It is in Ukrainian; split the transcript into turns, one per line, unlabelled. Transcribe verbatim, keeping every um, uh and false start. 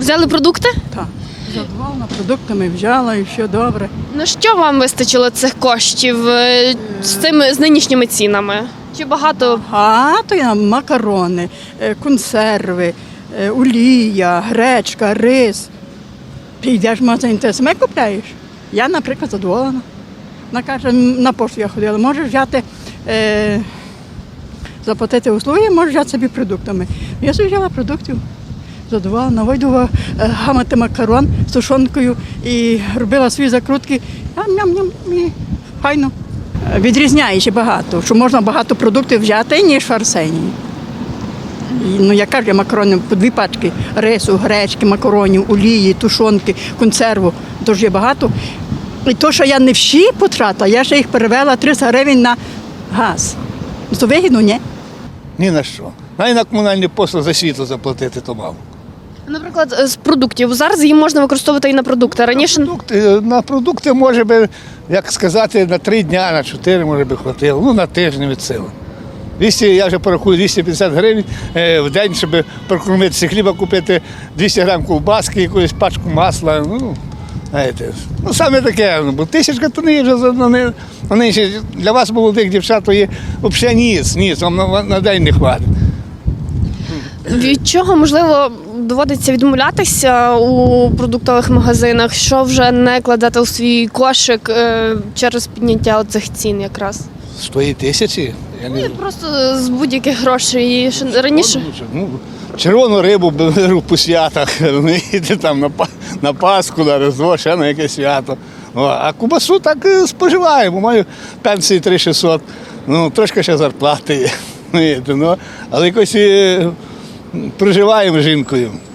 Взяли продукти?
Так. Задоволена продуктами взяла і все добре.
На що вам вистачило цих коштів е, з цими з нинішніми цінами? Чи багато?
А то я макарони, е, консерви, е, олія, гречка, рис. Ти йдеш в магазин, ти саме купляєш. Я, наприклад, задоволена. Вона каже, на пошту я ходила, можеш взяти, е, заплатити услуги, можеш взяти собі продуктами. Я собі взяла продуктів. Задоволена, вийду гамати макарон з тушонкою і робила свої закрутки. Ням-ням-ням, і файно. Відрізняється багато, що можна багато продуктів взяти, ніж в Арсенії. І, ну, я кажу, макарони по дві пачки рису, гречки, макаронів, олії, тушонки, консерву. Тож є багато. І то, що я не всі потратила, я ще їх перевела триста гривень на газ. То вигідно, ні?
Ні на що. Навіть на комунальні послуги за світло заплатити то мало.
Наприклад, з продуктів. Зараз її можна використовувати і на продукти. Раніше
Продукти, на продукти може би, як сказати, на три дня, на чотири може би хватило, ну на тиждень від сили. двісті, я вже порахую, двісті п'ятдесят гривень е, в день, щоб прокормитися хліба, купити двісті грам ковбаски, якусь пачку масла. Ну, знаєте, ну саме таке, бо тисячка то не є вже вони, вони ще для вас, молодих дівчат, то є взагалі ніц, ніц, вам на, на день не хватить.
від чого, можливо, доводиться відмовлятися у продуктових магазинах, що вже не кладати у свій кошик е, через підняття цих цін якраз?
З тої тисячі? Я не
Ну, і просто з будь-яких грошей. І ще раніше.
Ну, червону рибу беру по святах, розумієте, там на, Па- на Пасху, на Різдво, ще на якесь свято. О, а кубасу так е, споживаємо, маю пенсії три тисячі шістсот, ну, трошки ще зарплати є, розумієте, ну, але якось е, проживаємо з жінкою.